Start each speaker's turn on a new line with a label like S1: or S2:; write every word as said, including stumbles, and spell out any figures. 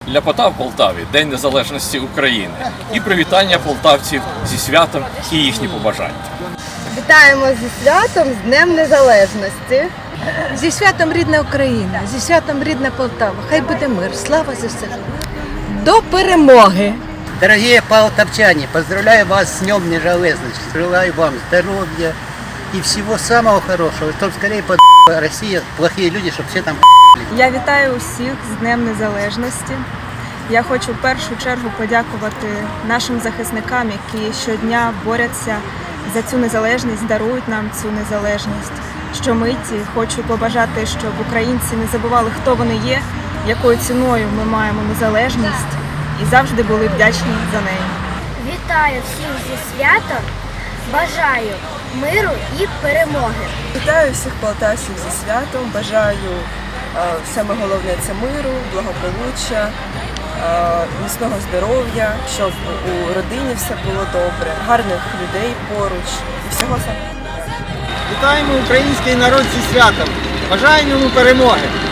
S1: Ляпота в Полтаві – День Незалежності України. І привітання полтавців зі святом і їхні побажання.
S2: Вітаємо зі святом, з Днем Незалежності.
S3: Зі святом рідна Україна, зі святом рідна Полтава. Хай буде мир, слава ЗСУ. До перемоги!
S4: Дорогие полтавчане, поздравляю вас с Днем Незалежности. Желаю вам здоровья и всего самого хорошего. Чтобы скорее под Россия, плохие люди, чтобы все там.
S5: Я вітаю усіх з Днем Незалежності. Я хочу в першу чергу подякувати нашим захисникам, які щодня борються за цю незалежність, дарують нам цю незалежність. Щомиті хочу побажати, щоб українці не забували, хто вони є, якою ціною ми маємо незалежність і завжди були вдячні за неї.
S6: Вітаю всіх зі святом, бажаю миру і перемоги.
S7: Вітаю всіх полтавців зі святом, бажаю е, саме головне це миру, благополуччя, е, міцного здоров'я, щоб у родині все було добре, гарних людей поруч і всього самого.
S8: Вітаємо український народ зі святом! Бажаємо йому перемоги!